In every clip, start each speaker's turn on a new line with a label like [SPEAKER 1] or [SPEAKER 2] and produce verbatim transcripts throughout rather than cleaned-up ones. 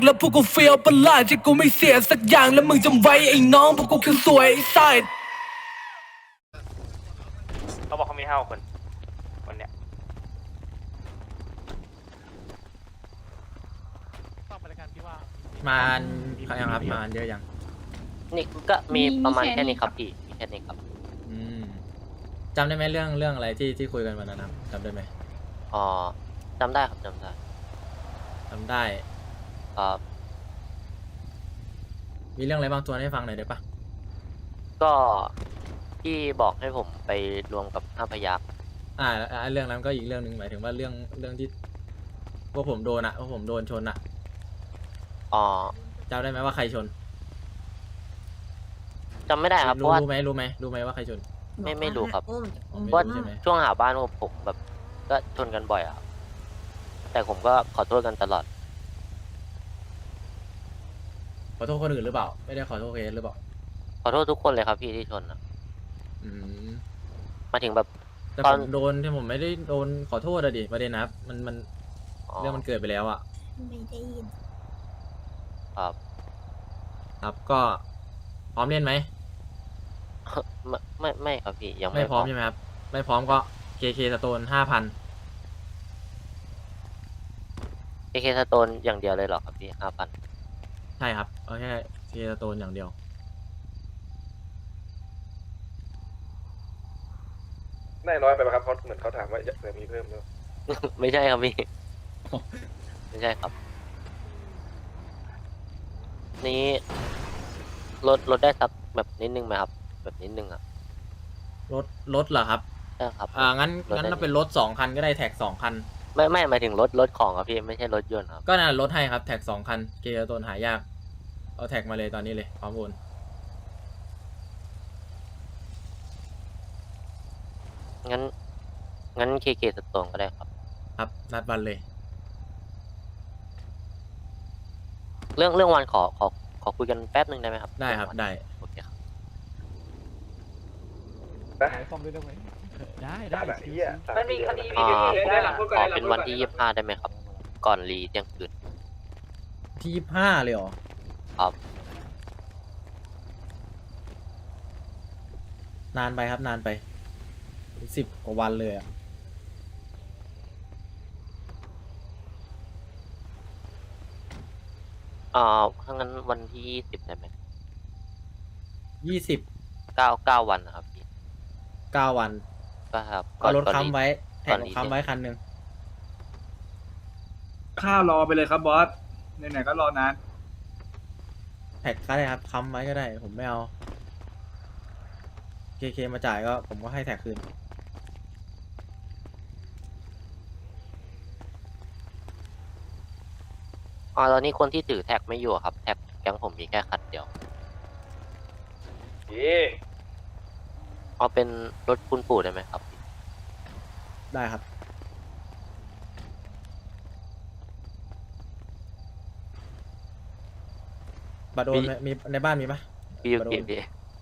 [SPEAKER 1] แล้วพวกกูเฟียวประหลาดที่กูไม่เสียสักอย่างแล้วมึงจำไว้ไอ้น้องพวกกูคือสวยไอ้ไซด์
[SPEAKER 2] เขาบอกเขามีห้าคนคนเนี้ย
[SPEAKER 3] มาเขายังครับมาเยอะยัง
[SPEAKER 4] นี่ก็มี
[SPEAKER 5] มี
[SPEAKER 4] ประมาณ
[SPEAKER 5] แค่
[SPEAKER 4] แค่
[SPEAKER 5] นี้
[SPEAKER 4] นี้ครับพี่มีแค่นี้ครับ
[SPEAKER 3] อืมจำได้ไหมเรื่องเรื่องอะไรที่ที่คุยกันวันนั้นครับจำได้ไหม
[SPEAKER 4] อ๋อจำได้ครับจำได้
[SPEAKER 3] จำได้
[SPEAKER 4] ครับ
[SPEAKER 3] มีเรื่องอะไรบ้างตัวให้ฟังหน่อยได้ปะ
[SPEAKER 4] ก็พี่บอกให้ผมไปรวมกับห้าพยัคฆ์
[SPEAKER 3] อ่าอ่าเรื่องนั้นก็อีกเรื่องหนึ่งหมายถึงว่าเรื่องเรื่องที่พวกผมโดนอะพวกผมโดนชนอะ
[SPEAKER 4] อ๋อ
[SPEAKER 3] จำได้ไหมว่าใครชน
[SPEAKER 4] จำไม่ได้ครับเพ
[SPEAKER 3] รู้
[SPEAKER 4] ราะว่า
[SPEAKER 3] รู้ไหมรู้ไหมรู้ไหมว่าใครชน
[SPEAKER 4] ไม่ไม่รู้ครับ
[SPEAKER 3] อ๋อไม่
[SPEAKER 4] เพราะว่า
[SPEAKER 3] รู้ใช่ไหม
[SPEAKER 4] ช่วงหาบ้านผมผมแบบ ก็ชนกันบ่อยอะครับแต่ผมก็ขอโทษกันตลอด
[SPEAKER 3] ขอโทษคนอื่นหรือเปล่า ไม่ได้ขอโทษเคสหรือเปล่า
[SPEAKER 4] ขอโทษทุกคนเลยครับพี่ที่ชนอะ
[SPEAKER 3] อืม
[SPEAKER 4] มาถึงแบบ
[SPEAKER 3] แต่
[SPEAKER 4] ต
[SPEAKER 3] ผ
[SPEAKER 4] อน
[SPEAKER 3] มโดนที่ผมไม่ได้โดนขอโทษอะดิประเด็นนะครับมันมัน
[SPEAKER 4] อ๋อ
[SPEAKER 3] เรื่องมันเกิดไปแล้วอะ
[SPEAKER 5] ไม่ได้ยิน
[SPEAKER 4] ครับ
[SPEAKER 3] ครับก็พร้อมเล่นไหม
[SPEAKER 4] ไม่ไม่ไม่ครับพี่ยัง
[SPEAKER 3] ไม่
[SPEAKER 4] ไม่
[SPEAKER 3] พร้อมใช่ไหมครับไม่พร้อมก็ เค เค สโตนห้าพัน
[SPEAKER 4] เอเคสโตนอย่างเดียวเลยเหรอครับพี่ห้าพัน
[SPEAKER 3] ใช่ครับเอาแค่ เค สโตนอย่างเดียว
[SPEAKER 6] ได้น้อยไปไหมครับเพราะเหมือนเขาถามว่าจะเผื่อมีเพิ่มด้วย
[SPEAKER 4] ไม่ใช่ครับพี่ ไม่ใช่ครับ นี้ลดลดได้สักแบบนิดนึงไหมครับ แบบนิดนึงอ่ะ
[SPEAKER 3] รถรถเหรอครับ
[SPEAKER 4] ใช่ครับ
[SPEAKER 3] อ่างั้น
[SPEAKER 4] รถ
[SPEAKER 3] งั้น
[SPEAKER 4] ได้
[SPEAKER 3] เราเป็นรถสองคันก็ได้แท็กสองคัน
[SPEAKER 4] ไม่ไม่หมายถึงรถรถของครับพี่ไม่ใช่รถยนต์ครับ
[SPEAKER 3] ก็น่ารถให้ครับแท็กสองคัน เค สโตนหายากเอาแท็กมาเลยตอนนี้เลยพร้อมโอน
[SPEAKER 4] งั้น งั้นเคเคสโตนก็ได้ครับ
[SPEAKER 3] ครับนัดวันเลย
[SPEAKER 4] เรื่องเรื่องวันขอขอขอคุยกันแป๊บนึงได้ไหมครับ
[SPEAKER 3] ได้ครับ
[SPEAKER 4] เองวัน
[SPEAKER 3] ได้
[SPEAKER 4] โอเคครับ
[SPEAKER 6] นะ
[SPEAKER 7] ได้
[SPEAKER 6] ได้
[SPEAKER 7] ได้
[SPEAKER 6] แบบนี้อ่ะ
[SPEAKER 2] มันมีคดี
[SPEAKER 4] อ่า
[SPEAKER 2] ได้หลังพูด
[SPEAKER 4] ข
[SPEAKER 2] ก่อน
[SPEAKER 4] อ
[SPEAKER 2] ได้หลัง
[SPEAKER 4] เป็น
[SPEAKER 2] พูดก่อน
[SPEAKER 4] วันที่ยี่สิบห้าได้ไหมครับ ก่อนรีเที่ยงคืน
[SPEAKER 3] ที่ยี่ห้าเลยเหรอ
[SPEAKER 4] ครับ
[SPEAKER 3] นานไปครับนานไปสิบกว่าวันเลยอะ
[SPEAKER 4] อ่าถ้างั้นวันที่ยี่สิบได้ไหม
[SPEAKER 3] ยี่สิบ
[SPEAKER 4] เก้าเก้าวันนะครับพี่
[SPEAKER 3] เก้าวัน
[SPEAKER 4] ก็ครับ
[SPEAKER 3] เอารถ
[SPEAKER 4] ก่อน
[SPEAKER 3] ค้ำไว้แท็
[SPEAKER 4] ก่
[SPEAKER 3] ก
[SPEAKER 4] อนรี
[SPEAKER 3] ค้ำไว้คันหนึ่ง
[SPEAKER 8] ข้าวรอไปเลยครับบอสไหนๆก็รอนาน
[SPEAKER 3] แท็กก็ได้ครับค้ำไว้ก็ได้ ผมไม่เอา เค เค มาจ่ายก็ผมก็ให้แท็กคืน
[SPEAKER 4] อ่าตอนนี้คนที่ถือแท็กไม่อยู่ครับ แท็กแก๊งผมมีแค่คันเดียว
[SPEAKER 6] เย่
[SPEAKER 4] เอาเป็นรถคุณปู่ได้ไหมครับ
[SPEAKER 3] ได้ครับ บัตรโอน
[SPEAKER 4] มี
[SPEAKER 3] ไหมมีในบ้านมีปะ
[SPEAKER 4] พี่ยู
[SPEAKER 3] บัตรโอ
[SPEAKER 4] กิ
[SPEAKER 3] น
[SPEAKER 4] พี่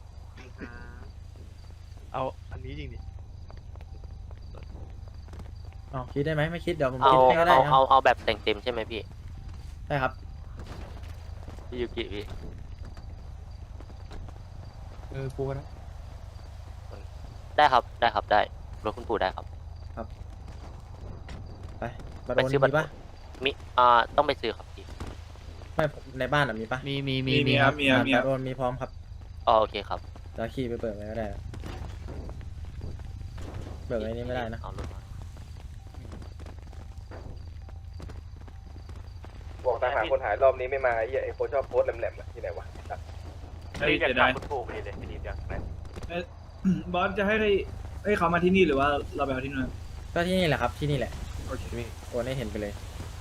[SPEAKER 7] เอาอันนี้จริงดิ
[SPEAKER 3] อ๋อคิดได้ไหมไม่คิดเดี๋ยวผม
[SPEAKER 4] เอา
[SPEAKER 3] คิดให้ก็ได้
[SPEAKER 4] เอา
[SPEAKER 3] ค
[SPEAKER 4] เอา
[SPEAKER 3] รับ
[SPEAKER 4] เอาแบบแต่งเต็มใช่ไหมพี่
[SPEAKER 3] ได้ครับ
[SPEAKER 4] พี่ยูกิพี่
[SPEAKER 7] เออกูนะ
[SPEAKER 4] ได้ครับได้ครับได้รถคุณปู่ได้ครับ
[SPEAKER 3] ไปบัตร
[SPEAKER 4] ไป
[SPEAKER 3] โอน
[SPEAKER 4] ซื้อบัต
[SPEAKER 3] มี
[SPEAKER 4] ร
[SPEAKER 3] ปะ
[SPEAKER 4] มีอ่าต้องไปซื้อครับพี่
[SPEAKER 3] ไม่ในบ้านอ่ะมีปะ
[SPEAKER 7] มีมีมี
[SPEAKER 8] มี
[SPEAKER 7] มี
[SPEAKER 8] มี
[SPEAKER 7] ค
[SPEAKER 8] ค
[SPEAKER 7] รั
[SPEAKER 8] รั
[SPEAKER 7] บบ
[SPEAKER 8] มีครับมีค
[SPEAKER 3] บั
[SPEAKER 8] รับ
[SPEAKER 3] ตรโอนมีพร้อมครับ
[SPEAKER 4] อ๋อโอเคครับ
[SPEAKER 3] จะขี่ไปเปิดไว้ก็ได้ เบิกไอ้นี่ไม่ได้นะ
[SPEAKER 4] เอารถมา
[SPEAKER 6] บอกตามหาคนหายรอบนี้ไม่มาไอ้เหี้ยไอ้โคชอบโพสต์แหลมๆอะที่ไหนวะ
[SPEAKER 8] เฮ้ย
[SPEAKER 2] อยาก
[SPEAKER 8] เดี๋ยว
[SPEAKER 2] ถา
[SPEAKER 8] ได้
[SPEAKER 2] มคุณปู่ไปเลยไม่ดีจังไหน
[SPEAKER 8] บอสจะให้ได้ให้เขามาที่นี่หรือว่าเราไปเอาที่นู่น
[SPEAKER 3] ก็ที่นี่แหละครับที่นี่แหละ
[SPEAKER 8] โอเค
[SPEAKER 3] โอนให้เห็นไปเลย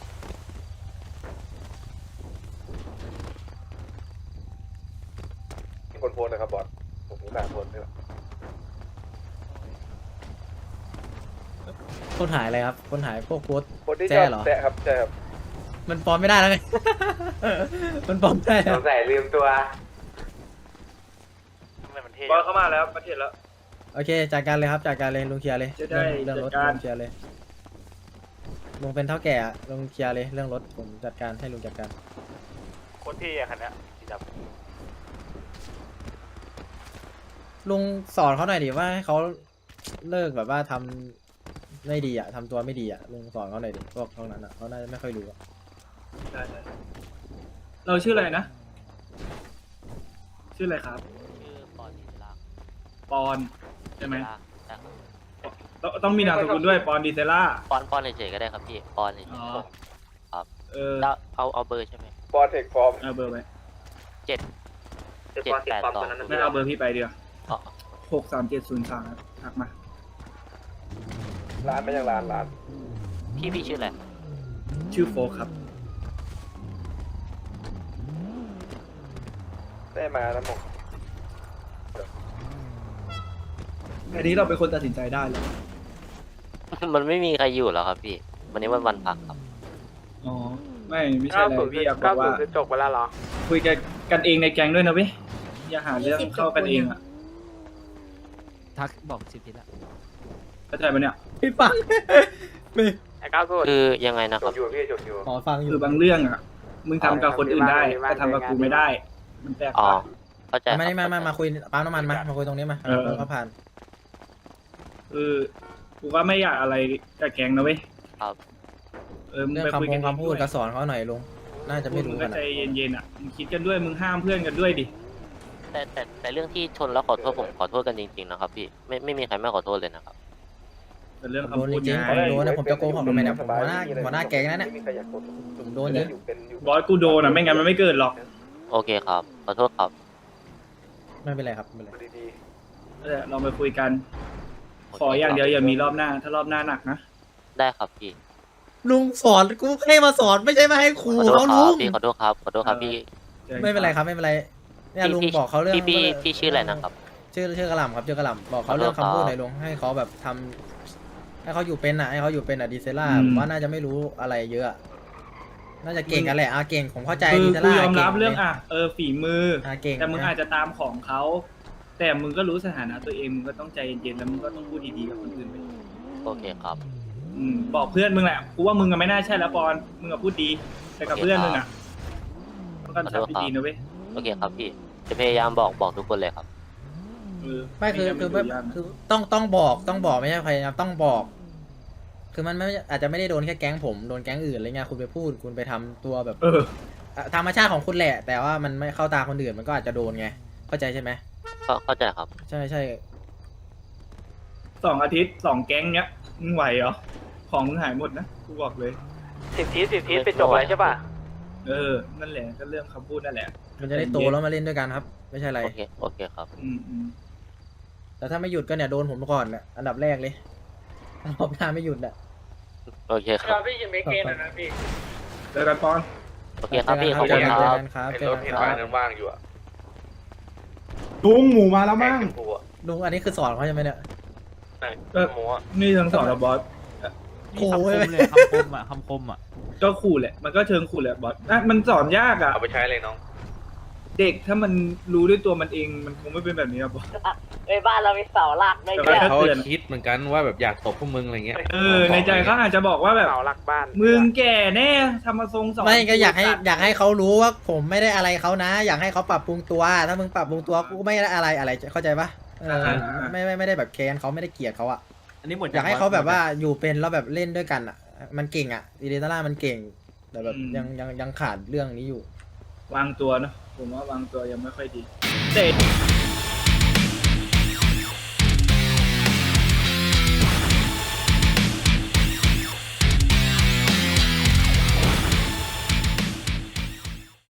[SPEAKER 6] มีคนโพสต์นะครับบอสผมมีการโพสต์ด้วย
[SPEAKER 3] คนหายอะไรครับ คนหายพวกโพสต์
[SPEAKER 6] คนที่ช
[SPEAKER 3] แจ้
[SPEAKER 6] อบ
[SPEAKER 3] เหรอ
[SPEAKER 6] แตะครับใช่ครับ
[SPEAKER 3] มันปลอมไม่ได้แล้วไง มันปลอมไม่ได้แล้ว
[SPEAKER 6] สงสัยลืมตัว
[SPEAKER 2] ทำไมมันเท่
[SPEAKER 8] บอสเข้ามาแล้วประเทศแล้ว
[SPEAKER 3] โอเคจัดการเลยครับจัดการเลยลุงเคลียร์เลย
[SPEAKER 8] จะได้
[SPEAKER 3] เรื่องเรื่องรถ
[SPEAKER 8] จัดการ
[SPEAKER 3] ลุงเคลียร์เลยลุงเป็นเท่าแก่อะลุงเคลียร์เลยเรื่องรถผมจัดการให้ลุงจัดการ
[SPEAKER 2] โคตรเท่อะคันเนี้ยสีดำ
[SPEAKER 3] ลุงสอนเขาหน่อยดิว่าให้เขาเลิกแบบว่าทำไม่ดีอ่ะทำตัวไม่ดีอ่ะลุงสอนเขาหน่อยดิพวกพวกนั้นอ่ะเขาน่าจะไม่ค่อยรู้อะ
[SPEAKER 8] ได้ได้เราชื่ออะไรนะ ชื่ออะไรครับ
[SPEAKER 4] ชื่อปอนดีเซล่า
[SPEAKER 8] ปอนใช่ไหม
[SPEAKER 4] ใช่ครับ
[SPEAKER 8] ต้องต้องมีนามสกุลด้วยปอนดีเซล่า
[SPEAKER 4] ปอนปอนเฉยๆก็ได้ครับพี่ปอนเฉย
[SPEAKER 8] อ๋อ
[SPEAKER 4] ๆ
[SPEAKER 8] เออ
[SPEAKER 4] แล้วเอาเอาเบอร์ใช่ไหม
[SPEAKER 6] ปอเทคฟอร์ม
[SPEAKER 8] เอาเบอร์ไว้
[SPEAKER 4] เจ็ดเจ็ดแปดสอง
[SPEAKER 8] ไม่เอาเบอร์พี่ไปเดียว
[SPEAKER 4] อ๋อ
[SPEAKER 8] หกสามเจ็ดศูนย์สามทักมา
[SPEAKER 6] ร้านไม่ยังร้านร้าน
[SPEAKER 4] พี่พี่ชื่ออะไร
[SPEAKER 8] ชื่อโฟกครับ
[SPEAKER 6] ได้มาแล้วหมก
[SPEAKER 8] อันนี้เราเป็นคนตัดสินใจได้เลย
[SPEAKER 4] มันไม่มีใครอยู่แล้วครับพี่ วันนี้วันวันพักครับ
[SPEAKER 8] อ๋อ ไม่ไม่ใช่อะไรพี่อยากบอกว่า
[SPEAKER 2] คือจบไปแล้วเหรอ
[SPEAKER 8] คุยกันกันเองในแก๊งด้วยนะเว้ยอย่าหาเรื่องเข้ากันเองอ่ะ
[SPEAKER 7] ทักบอกสิบทีละ
[SPEAKER 8] เข้าใจปะเนี่ย
[SPEAKER 3] พี่ฟัง ไม่
[SPEAKER 2] ไอ้ก้าวสุด
[SPEAKER 4] คือยังไงนะ
[SPEAKER 6] จ
[SPEAKER 4] ครับ
[SPEAKER 6] บอยู่พี่จบอยู่
[SPEAKER 3] ขอฟังอยู่
[SPEAKER 8] คือบางเรื่องอ่ะ มึงทำกับคนอื่นได้แต่ทำกับกูไม่ได้ มันแปลก
[SPEAKER 4] อ๋อ
[SPEAKER 8] ต่าง
[SPEAKER 4] เข้าใจ
[SPEAKER 3] มา
[SPEAKER 4] ครับ
[SPEAKER 3] นี่มามามาคุยปั๊มน้ำมันมามาคุยตรงนี้มา
[SPEAKER 8] เออ
[SPEAKER 3] เขาผ่าน
[SPEAKER 8] คือกูก็ไม่อยากอะไรกับแก๊งนะเว้ย
[SPEAKER 4] ครับ
[SPEAKER 8] เออมึง
[SPEAKER 3] เรื่อง
[SPEAKER 8] ไปคุย
[SPEAKER 3] คำพ
[SPEAKER 8] กัน
[SPEAKER 3] งคำพูดก็สอนเขาหน่อยลุงน่าจะไม่รู้
[SPEAKER 8] มึง
[SPEAKER 3] กั
[SPEAKER 8] ก็
[SPEAKER 3] น
[SPEAKER 8] ใจ
[SPEAKER 3] อะ
[SPEAKER 8] เย็นๆอ่ะ มึงคิดกันด้วย มึงห้ามเพื่อนกันด้วยดิ
[SPEAKER 4] แต่แต่แต่เรื่องที่ชนแล้วขอโทษผมขอโทษกันจริงๆนะครับพี่ไม่ไม่มีใครไม่ขอโทษเลยนะครับ
[SPEAKER 8] เป็นเรื่อง
[SPEAKER 3] ผมโดน
[SPEAKER 8] คำพูด
[SPEAKER 3] จริง
[SPEAKER 8] ไง
[SPEAKER 3] ๆผมโดนนะผมจะโกหกทำไมเนี่ยผมหัวหน้าหัวหน้าแก๊งนั่น
[SPEAKER 6] ไม่
[SPEAKER 3] น่ะ
[SPEAKER 6] มีใครอยากกด
[SPEAKER 3] ผมโดนจริง
[SPEAKER 6] อยู่เป็นอยู่
[SPEAKER 8] บอสกูโดนอ่ะ ไม่งั้นมันไม่เกิดหรอก
[SPEAKER 4] โอเคครับขอโทษครับ
[SPEAKER 3] ไม่เป็นไรครับไม่เป็นไร
[SPEAKER 6] ดี
[SPEAKER 8] เออเราไปคุยกัน ขออย่างเดียวอย่ามีรอบหน้า ถ้ารอบหน้าหนักนะ
[SPEAKER 4] ได้ครับพี่
[SPEAKER 3] ลุงสอนกูให้มาสอนไม่ใช่มาให้ครู
[SPEAKER 4] ขอโทษ
[SPEAKER 3] เขา
[SPEAKER 4] ค
[SPEAKER 3] ลุ
[SPEAKER 4] รับ
[SPEAKER 3] ง
[SPEAKER 4] พี่ขอโทษครับขอโทษครับพี่
[SPEAKER 3] ไม่เป็นไรครับไม่เป็นไรเนี่ยลุง
[SPEAKER 4] พี่
[SPEAKER 3] บอกเขาเรื่อง
[SPEAKER 4] พี่พี่พี่ชื่ออะไรนะครับ
[SPEAKER 3] ชื่อชื่อกระหล่ำครับชื่อกระหล่ำบอกเขาเรื่องคำพูดหน่อยลุงให้เขาแบบทำให้เขาอยู่เป็นอ่ะให้เขาอยู่เป็นอ่ะดีเซล่า
[SPEAKER 8] อืม
[SPEAKER 3] ผมว่าน่าจะไม่รู้อะไรเยอะ น่าจะเก่งกันแหละอ่ะเก่งผมเข้าใจ
[SPEAKER 8] คือ
[SPEAKER 3] ดีเซ
[SPEAKER 8] กู
[SPEAKER 3] ล่าย
[SPEAKER 8] อมรับ
[SPEAKER 3] ก่
[SPEAKER 8] เรื่องอ่ะ เออฝีมือ
[SPEAKER 3] อ่ะเก่ง
[SPEAKER 8] แต่มึงอาจจะตามของเขา แต่มึงก็รู้สถานะตัวเอง มึงก็ต้องใจเย็นๆ แล้วมึงก็ต้องพูดดีๆกับคนอื่นไป
[SPEAKER 4] โอเคครับ
[SPEAKER 8] อืมบอกเพื่อนมึงแหละ กูว่ามึงอะไม่น่าใช่แล้วปอน มึงอะพูดดี แต่กับเพื่อนมึงอะต้องการทำดีๆนะเว้ย
[SPEAKER 4] โอเคครับพี่จะพยายามบอกบอกทุกคนเลยครับ
[SPEAKER 8] เออ
[SPEAKER 3] ไม่คือ
[SPEAKER 8] งั้น
[SPEAKER 3] คือ
[SPEAKER 8] มัน
[SPEAKER 3] ไม่
[SPEAKER 8] ดูยากนะ
[SPEAKER 3] คือต้องต้องบอกต้องบอกไม่ใช่พยายามต้องบอก คือมันไม่อาจจะไม่ได้โดนแค่แก๊งผมโดนแก๊งอื่นอะไรเงี้ยคุณไปพูดคุณไปทำตัวแบบ
[SPEAKER 8] เออ
[SPEAKER 3] อ่ะธรรมชาติของคุณแหละ แต่ว่ามันไม่เข้าตาคนอื่นมันก็อาจจะโดนไงเข้าใจใช่ไหม
[SPEAKER 4] ก็เข้าใจครับ
[SPEAKER 3] ใช่ใช่
[SPEAKER 8] สองอาทิตย์สองแก๊งเนี้ย มึงไหวเหรอ ของมึงหายหมดนะ กูบอกเลย
[SPEAKER 2] สิบทีสิบทีไปจบอะไรใช่ป่ะ
[SPEAKER 8] เออ นั่นแหละ ก็เรื่องคำพูดนั่นแหละ
[SPEAKER 3] มันจะได้โตแล้วมาเล่นด้วยกันครับ ไม่ใช่อะไร
[SPEAKER 4] โอเคโอเคครับ
[SPEAKER 8] อืมอืม
[SPEAKER 3] แต่ถ้าไม่หยุดก็เนี่ยโดนผมก่อนเนี่ยอันดับแรกเลยรอบหน้าไม่หยุดอ่ะ
[SPEAKER 4] โอเคครับ
[SPEAKER 2] พี่ยินไม่เกณฑ์นะพี่
[SPEAKER 8] เจอกันปอน
[SPEAKER 4] โอเคครับพี่ขอบ
[SPEAKER 3] เจ
[SPEAKER 4] คุ
[SPEAKER 3] อ
[SPEAKER 4] ณ
[SPEAKER 3] กัน
[SPEAKER 4] ค
[SPEAKER 3] เจอ
[SPEAKER 4] รับ
[SPEAKER 3] กันครับ
[SPEAKER 6] ๆไอ้
[SPEAKER 3] เจ
[SPEAKER 6] ร
[SPEAKER 3] อ
[SPEAKER 6] ถ
[SPEAKER 3] กัน
[SPEAKER 6] เห็น
[SPEAKER 3] ค
[SPEAKER 6] ว่า
[SPEAKER 3] รับ
[SPEAKER 6] นั้นว่างอยู่อะ
[SPEAKER 8] ลุงหมูมาแล้วมั้ง
[SPEAKER 6] แข่กูอะ
[SPEAKER 3] ลุงอันนี้คือสอนเขาใช่ไหมเนี่ย
[SPEAKER 8] เออ
[SPEAKER 6] หมูอะ
[SPEAKER 8] นี่ทั้งสองระบอส
[SPEAKER 3] โอ้
[SPEAKER 7] คำค
[SPEAKER 3] ย
[SPEAKER 7] มเลยคำคมอ่ะคำคมอ่ะ
[SPEAKER 8] ก็ขู่แหละ มันก็เชิงขู่แหละบอสอ่ะมันสอนยากอ่ะ
[SPEAKER 6] เอาไปใช้เลยน้อง
[SPEAKER 8] เด็กถ้ามันรู้ด้วยตัวมันเอง มันคงไม่เป็นแบบนี้ครับบอส
[SPEAKER 5] เอ้ยบ้านเรามีเสาหลักด้วย
[SPEAKER 8] แต่
[SPEAKER 5] เนี่ย
[SPEAKER 8] ว่า
[SPEAKER 9] เขาคิดเหมือนกันว่าแบบอยากตบพวกมึงอะไรเงี้ย
[SPEAKER 8] เออ ในใจเขาอาจจะบอกว่าแบบ
[SPEAKER 2] เสาหลักบ้าน
[SPEAKER 8] มึงแก่แน่ทำมาทรงสอง
[SPEAKER 3] ไม่ก็อยากให้อยากให้เขารู้ว่าผมไม่ได้อะไรเขานะ อยากให้เขาปรับปรุงตัว ถ้ามึงปรับปรุงตัวกูไม่ได้อะไรอะไรเข้าใจปะเออไม่ไม่ไม่ได้แบบแค้นเขาไม่ได้เกลียดเขาอะ
[SPEAKER 7] อันนี้หมด
[SPEAKER 3] อยากให้เขาแบบว่าอยู่เป็นแล้วแบบเล่นด้วยกันอ่ะ มันเก่งอ่ะดีเดต้ามันเก่ง แต่แบบยังยังยังขาดเรื่องนี้อยู่
[SPEAKER 8] วางตัวเนอะผมว่าวางตัวยังไม่ค่อยดีแต่